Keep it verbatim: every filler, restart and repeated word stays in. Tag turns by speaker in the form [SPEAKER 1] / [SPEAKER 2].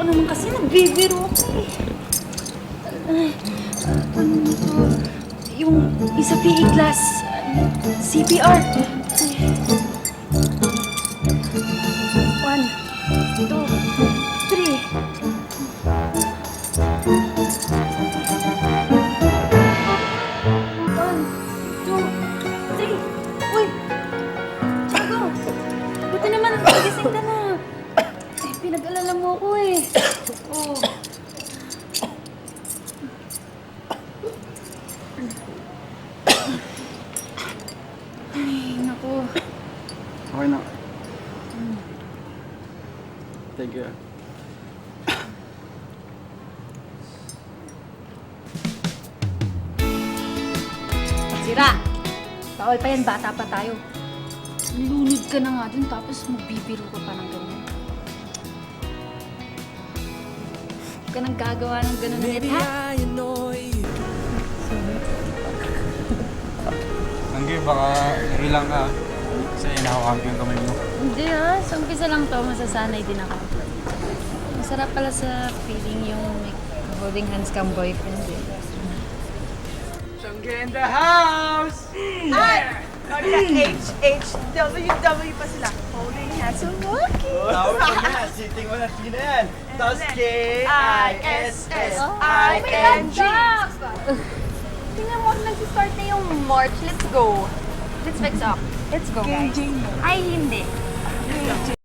[SPEAKER 1] naman kasi, nagbibiro ako eh. Ay, ano to? Yung isa P E class, C P R. One, two, three. One, two, three. Uy! Tiago! Buti naman, nagising ka na. Eh, pinag-alala mo ako eh. Oh. Ay, naku.
[SPEAKER 2] Okay na. Thank you.
[SPEAKER 1] Sira! Bawal pa yan, bata pa tayo. Lunod ka na nga dun, tapos magbibiro ka pa ng ganyan. Huwag ka nang gagawa ng ganun ulit, ha?
[SPEAKER 2] Anggi, baka ilang ka. Kasi inahawag yung kamay mo.
[SPEAKER 1] Hindi ha, sa umpisa lang to, masasanay din ako. Masarap pala sa feeling yung may holding hands kang boyfriend eh.
[SPEAKER 2] Sangge in the house!
[SPEAKER 3] Ay! H H W W pa sila. Holding hands and walking.
[SPEAKER 2] Tawag ko na, sitting mo na sila yan. Tapos K I S S
[SPEAKER 3] I N G.
[SPEAKER 4] Tingnan mo, nag-start na yung March. Let's go. Let's fix up. Let's go, guys. Ay, hindi.